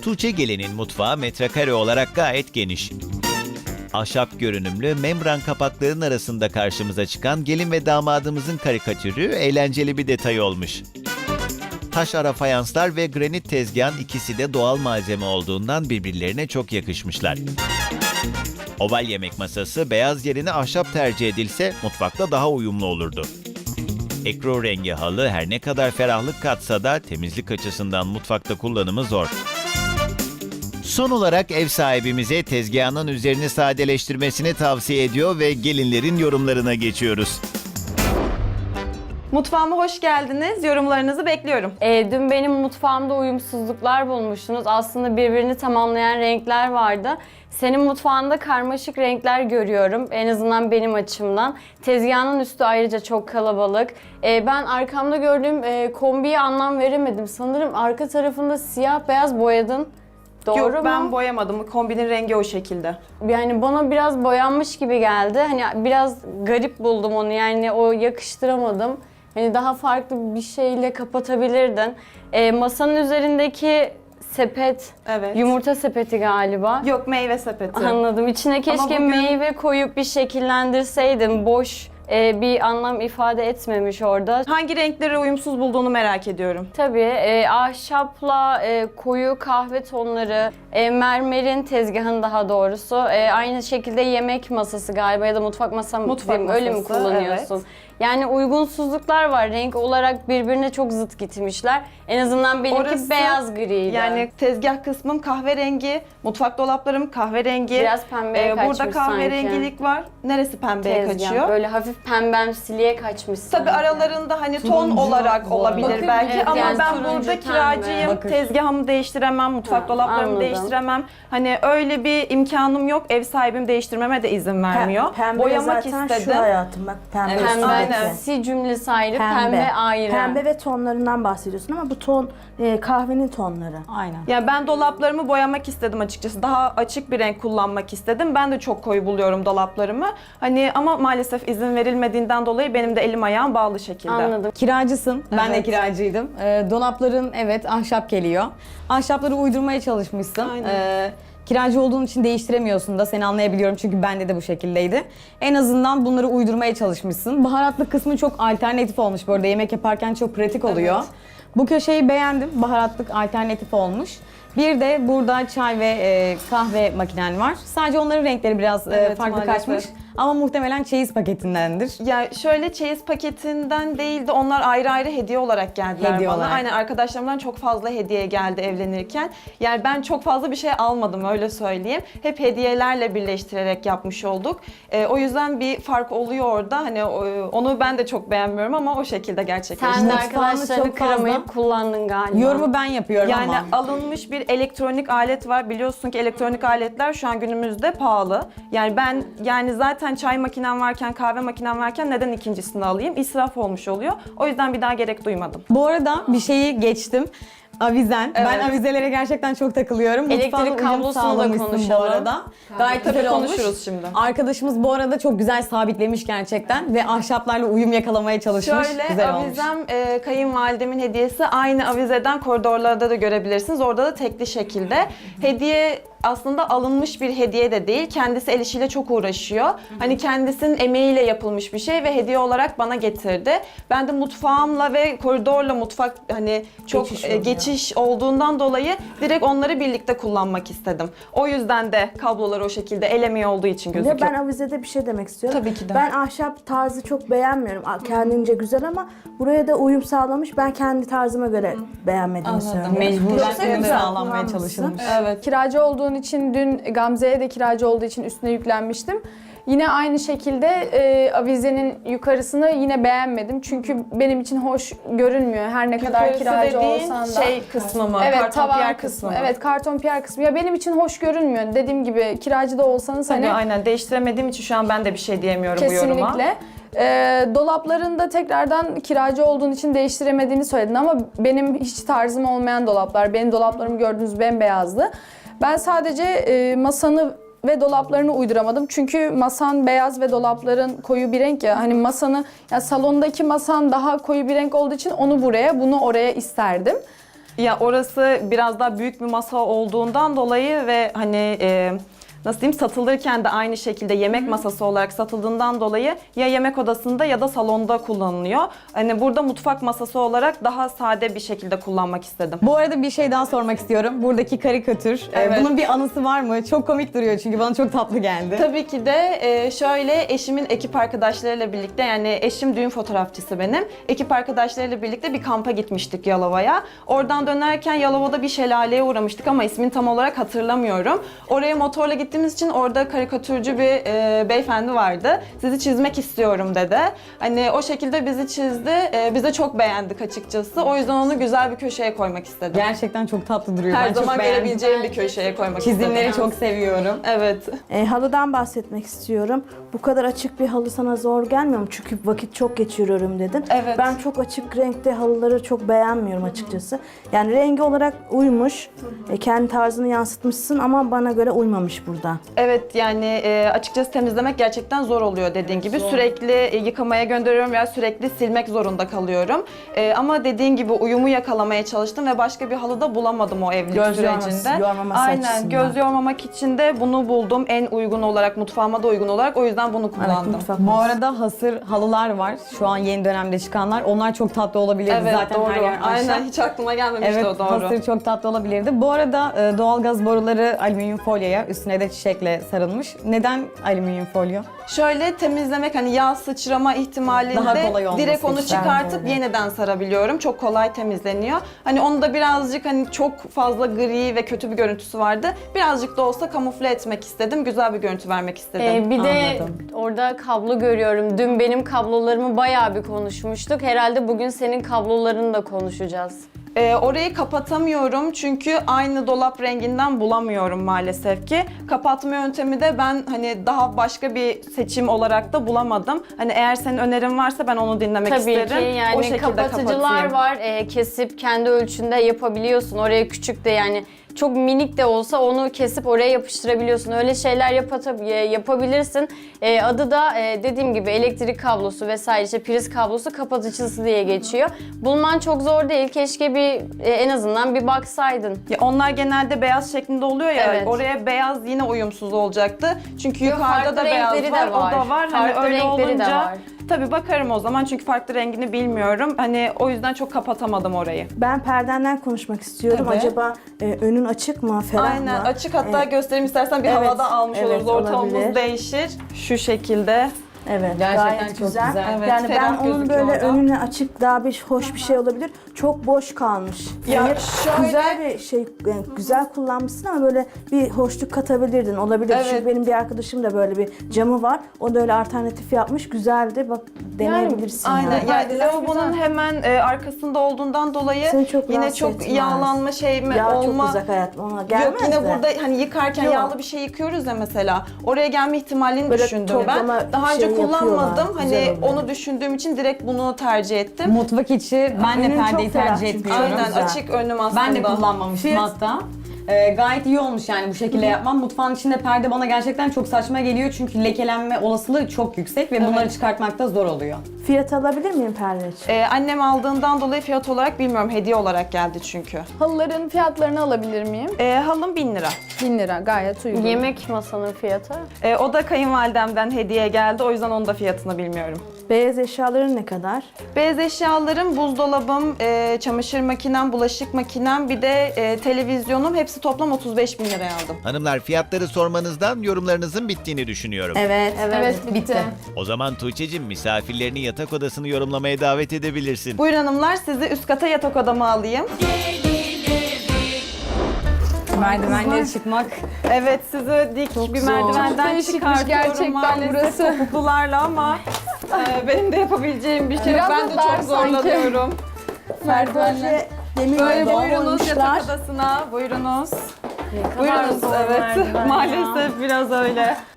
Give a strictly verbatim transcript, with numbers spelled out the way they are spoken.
Tuğçe Gelin'in mutfağı metrekare olarak gayet geniş. Ahşap görünümlü membran kapaklarının arasında karşımıza çıkan gelin ve damadımızın karikatürü eğlenceli bir detay olmuş. Taş ara fayanslar ve granit tezgahın ikisi de doğal malzeme olduğundan birbirlerine çok yakışmışlar. Oval yemek masası beyaz yerine ahşap tercih edilse mutfakta daha uyumlu olurdu. Ekru rengi halı her ne kadar ferahlık katsa da temizlik açısından mutfakta kullanımı zor. Son olarak ev sahibimize tezgahının üzerini sadeleştirmesini tavsiye ediyor ve gelinlerin yorumlarına geçiyoruz. Mutfağıma hoş geldiniz. Yorumlarınızı bekliyorum. E, dün benim mutfağımda uyumsuzluklar bulmuştunuz. Aslında birbirini tamamlayan renkler vardı. Senin mutfağında karmaşık renkler görüyorum. En azından benim açımdan. Tezgahın üstü ayrıca çok kalabalık. E, ben arkamda gördüğüm e, kombiye anlam veremedim. Sanırım arka tarafında siyah beyaz boyadın. Doğru Yok mu? ben boyamadım. Kombinin rengi o şekilde. Yani bana biraz boyanmış gibi geldi. Hani biraz garip buldum onu. Yani o yakıştıramadım. Hani daha farklı bir şeyle kapatabilirdin. E, masanın üzerindeki sepet, Evet. yumurta sepeti galiba. Yok meyve sepeti. Anladım. İçine keşke bugün- meyve koyup bir şekillendirseydin. Boş e, bir anlam ifade etmemiş orada. Hangi renkleri uyumsuz bulduğunu merak ediyorum. Tabii e, ahşapla e, koyu kahve tonları, e, mermerin tezgahın daha doğrusu. E, aynı şekilde yemek masası galiba ya da mutfak masam Mutfak diyeyim, öyle mi masası, kullanıyorsun? evet. Yani uygunsuzluklar var. Renk olarak birbirine çok zıt gitmişler. En azından benimki Orası- beyaz griydi. Yani tezgah kısmım kahverengi, mutfak dolaplarım kahverengi. Biraz pembeye Ee, kaçmış Burada kahverengilik var. Neresi pembeye tezgah. kaçıyor? Böyle hafif pembemsiliğe kaçmış Tabii sanki. aralarında hani ton Turuncu olarak bu olabilir arada. belki Evet, ama yani ben turuncu, burada pembe. kiracıyım. Bakır. Tezgahımı değiştiremem, mutfak Ha, dolaplarımı anladım. değiştiremem. Hani öyle bir imkanım yok. Ev sahibim değiştirmeme de izin vermiyor. Pembe Boyamak zaten istedim. şu hayatım bak pembe. Evet, Aynen. pembesi cümlesi ayrı, pembe, ayrı. Pembe ve tonlarından bahsediyorsun ama bu ton e, kahvenin tonları. Aynen. Ya ben dolaplarımı boyamak istedim açıkçası. Daha açık bir renk kullanmak istedim. Ben de çok koyu buluyorum dolaplarımı. Hani ama maalesef izin verilmediğinden dolayı benim de elim ayağım bağlı şekilde. Anladım. Kiracısın. Ben de Evet. kiracıydım. Ee, dolapların evet ahşap geliyor. Ahşapları uydurmaya çalışmışsın. Aynen. Ee, kiracı olduğun için değiştiremiyorsun da seni anlayabiliyorum çünkü bende de bu şekildeydi. En azından bunları uydurmaya çalışmışsın. Baharatlı kısmı çok alternatif olmuş bu arada. Yemek yaparken çok pratik oluyor. Evet. Bu köşeyi beğendim. Baharatlık alternatif olmuş. Bir de burada çay ve e, kahve makinen var. Sadece onların renkleri biraz e, Evet, farklı maalesef. kaçmış. Ama muhtemelen çeyiz paketindendir. Ya şöyle çeyiz paketinden değil de onlar ayrı ayrı hediye olarak geldiler Hediye bana. olarak. Aynen arkadaşlarımdan çok fazla hediye geldi evlenirken. Yani ben çok fazla bir şey almadım öyle söyleyeyim. Hep hediyelerle birleştirerek yapmış olduk. Ee, o yüzden bir fark oluyor orada. Hani o- onu ben de çok beğenmiyorum ama o şekilde gerçekleşti. Sen de Mutfağını arkadaşlarını çok fazla- kıramayıp kullandın galiba. Yorumu ben yapıyorum Yani ama. alınmış bir elektronik alet var. Biliyorsun ki elektronik aletler şu an günümüzde pahalı. Yani ben yani zaten çay makinem varken, kahve makinem varken neden ikincisini alayım? İsraf olmuş oluyor. O yüzden bir daha gerek duymadım. Bu arada bir şeyi geçtim. Avizen. Ben Evet. avizelere gerçekten çok takılıyorum. Elektrik Mutfağına uyum kablosunu da sağlamışsın konuşalım. bu arada. Gayet Tabii güzel olmuş. konuşuruz şimdi. Arkadaşımız bu arada çok güzel sabitlemiş gerçekten ve ahşaplarla uyum yakalamaya çalışmış. Şöyle güzel olmuş. avizem e, kayınvalidemin hediyesi aynı avizeden koridorlarda da görebilirsiniz. Orada da tekli şekilde. Hediye aslında alınmış bir hediye de değil. Kendisi el işiyle çok uğraşıyor. Hani kendisinin emeğiyle yapılmış bir şey ve hediye olarak bana getirdi. Ben de mutfağımla ve koridorla mutfak hani çok Geçiş e, oluyor. geçiş olduğundan dolayı direkt onları birlikte kullanmak istedim. O yüzden de kablolar o şekilde el emeği olduğu için Ya gözüküyor. ben avizede bir şey demek istiyorum. Tabii ki de. Ben ahşap tarzı çok beğenmiyorum. A- Kendince güzel ama buraya da uyum sağlamış. Ben kendi tarzıma göre beğenmediğimi söylüyorum. Mecburen Yoksa uyum güzel sağlanmaya kullanmışsın. çalışılmış. Evet. Kiracı olduğun için dün Gamze'ye de kiracı olduğu için üstüne yüklenmiştim. Yine aynı şekilde e, avizenin yukarısını yine beğenmedim. Çünkü benim için hoş görünmüyor her ne kadar Yukarısı kiracı dediğin olsan da. şey kısmı mı? Evet, Karton tavan piyer kısmı. mı? Evet, karton piyer kısmı. Ya benim için hoş görünmüyor. Dediğim gibi kiracı da olsanız Tabii hani aynen değiştiremediğim için şu an ben de bir şey diyemiyorum bu yoruma. kesinlikle. E, dolaplarında tekrardan kiracı olduğun için değiştiremediğini söyledin ama benim hiç tarzım olmayan dolaplar. Benim dolaplarım gördüğünüz bembeyazdı. Ben sadece e, masanı ve dolaplarını uyduramadım. Çünkü masan beyaz ve dolapların koyu bir renk ya. Hani masanı, ya salondaki masan daha koyu bir renk olduğu için onu buraya, bunu oraya isterdim. Ya orası biraz daha büyük bir masa olduğundan dolayı ve hani e, nasıl diyeyim, satılırken de aynı şekilde yemek masası olarak satıldığından dolayı ya yemek odasında ya da salonda kullanılıyor. Hani burada mutfak masası olarak daha sade bir şekilde kullanmak istedim. Bu arada bir şey daha sormak istiyorum. Buradaki karikatür, e, Evet. bunun bir anısı var mı? Çok komik duruyor çünkü bana çok tatlı geldi. Tabii ki de e, şöyle eşimin ekip arkadaşlarıyla birlikte, yani eşim düğün fotoğrafçısı benim. Ekip arkadaşlarıyla birlikte bir kampa gitmiştik Yalova'ya. Oradan dönerken Yalova'da bir şelaleye uğramıştık ama ismini tam olarak hatırlamıyorum. Oraya motorla gittiğimiz için orada karikatürcü bir e, beyefendi vardı. Sizi çizmek istiyorum dedi. Hani o şekilde bizi çizdi. E, biz de çok beğendik açıkçası. O yüzden onu güzel bir köşeye koymak istedim. Gerçekten çok tatlı duruyor. Her Ben çok zaman beğendim. görebileceğim bir köşeye koymak Çizimleri istedim. çok seviyorum. Evet. E, halıdan bahsetmek istiyorum. Bu kadar açık bir halı sana zor gelmiyor mu? Çünkü vakit çok geçiriyorum dedin. Evet. Ben çok açık renkte halıları çok beğenmiyorum açıkçası. Yani rengi olarak uymuş. E, kendi tarzını yansıtmışsın ama bana göre uymamış burada. Evet, yani e, açıkçası temizlemek gerçekten zor oluyor dediğin gibi. Sürekli e, yıkamaya gönderiyorum veya sürekli silmek zorunda kalıyorum. E, ama dediğin gibi uyumu yakalamaya çalıştım ve başka bir halı da bulamadım o evlilik Göz yorması- sürecinde. yormaması Aynen, açısından. göz yormamak için de bunu buldum. En uygun olarak, mutfağıma da uygun olarak. O yüzden bunu Evet, kullandım. mutfak Bu masası. arada hasır halılar var. Şu an yeni dönemde çıkanlar. Onlar çok tatlı olabilirdi. Evet, Zaten doğru. her yer ahşap. Aynen, hiç aklıma gelmemişti Evet, o, doğru. hasır çok tatlı olabilirdi. Bu arada e, doğalgaz boruları alüminyum folyoya, üstüne de çiçekle sarılmış. Neden alüminyum folyo? Şöyle temizlemek, hani yağ sıçrama ihtimalinde Daha kolay olması direkt onu için. çıkartıp Bence de. yeniden sarabiliyorum. Çok kolay temizleniyor. Hani onu da birazcık, hani çok fazla gri ve kötü bir görüntüsü vardı. Birazcık da olsa kamufle etmek istedim. Güzel bir görüntü vermek istedim. Ee, bir de Anladım. orada kablo görüyorum. Dün benim kablolarımı bayağı bir konuşmuştuk. Herhalde bugün senin kablolarını da konuşacağız. Ee, orayı kapatamıyorum çünkü aynı dolap renginden bulamıyorum maalesef ki. Kapatma yöntemi de ben hani daha başka bir seçim olarak da bulamadım. Hani eğer senin önerin varsa ben onu dinlemek Tabii isterim. ki yani o şekilde kapatıcılar kapatayım. var. Ee, kesip kendi ölçünde yapabiliyorsun. Oraya küçük de, yani çok minik de olsa onu kesip oraya yapıştırabiliyorsun. Öyle şeyler yapata- e, yapabilirsin. Ee, adı da e, dediğim gibi elektrik kablosu vesaire, işte priz kablosu kapatıcısı diye geçiyor. Bulman çok zor değil. Keşke bir e, en azından bir baksaydın. Ya onlar genelde beyaz şeklinde oluyor ya. Evet. Oraya beyaz yine uyumsuz olacaktı. Çünkü Yok, yukarıda farklı da beyaz renkleri de var, var. o da var. Hani Farklı öyle renkleri de olunca var. tabii bakarım o zaman çünkü farklı rengini bilmiyorum. Hani o yüzden çok kapatamadım orayı. Ben perdenden konuşmak istiyorum. Tabii. Acaba e, önün açık mı, ferah Aynen, mı? açık, hatta E, göstereyim istersen bir evet, havada almış evet, oluruz. Ortamımız olabilir. değişir. Şu şekilde. Evet, Gerçekten gayet çok güzel. güzel. Evet, yani ben ferah onun gözüküyor böyle orada. önüne açık daha bir hoş bir şey olabilir. Çok boş kalmış. Ya Yani şöyle- güzel bir şey, yani güzel kullanmışsın ama böyle bir hoşluk katabilirdin. Olabilir. Evet. Çünkü benim bir arkadaşım da böyle bir camı var. O da öyle alternatif yapmış. Güzeldi. Bak deneyebilirsin. Aynen. yani. Yani lavabonun hemen e, arkasında olduğundan dolayı Seni çok yine rahatsız çok etmez. yağlanma şey mi Ya olma. çok uzak hayatım ona gelmez Yok, yine de. burada hani yıkarken Yok. yağlı bir şey yıkıyoruz ya mesela. Oraya gelme ihtimalini Böyle düşündüm ben. toplama Daha önce şey kullanmadım. yapıyorlar, Hani güzel oluyor. onu düşündüğüm için direkt bunu tercih ettim. Mutfak içi ben de Önün çok perdeyi ferah tercih çünkü. etmiyorum. Aynen, güzel. açık önüm aslında. Ben de kullanmamıştım Fiyat- hatta. Ee, gayet iyi olmuş yani bu şekilde yapmam. Mutfağın içinde perde bana gerçekten çok saçma geliyor çünkü lekelenme olasılığı çok yüksek ve bunları çıkartmak da zor oluyor. Fiyat alabilir miyim perde için? Ee, annem aldığından dolayı fiyat olarak bilmiyorum. Hediye olarak geldi çünkü. Halıların fiyatlarını alabilir miyim? Ee, halım bin lira. bin lira gayet uygun. Yemek masanın fiyatı. Ee, o da kayınvalidemden hediye geldi. O yüzden onun da fiyatını bilmiyorum. Beyaz eşyaların ne kadar? Beyaz eşyalarım, buzdolabım, e, çamaşır makinem, bulaşık makinem, bir de e, televizyonum, hepsi toplam otuz beş bin liraya aldım. Hanımlar, fiyatları sormanızdan yorumlarınızın bittiğini düşünüyorum. Evet. Evet, bitti. O zaman Tuğçe'cim, misafirlerini yatak odasını yorumlamaya davet edebilirsin. Buyurun hanımlar, sizi üst kata yatak odama alayım. Merdivenlere çıkmak. Evet, sizi dik bir merdivenden Değişikmiş çıkartıyorum gerçekten maalesef burası. topuklularla ama e, benim de yapabileceğim bir şey yok. Biraz Ben da de dar çok sanki. zorlanıyorum. Merdivenle demir Böyle dolma buyurunuz koymuşlar. yatak odasına, buyurunuz. Ne kadar Buyurunuz, zor evet. merdiven ya. Maalesef biraz öyle.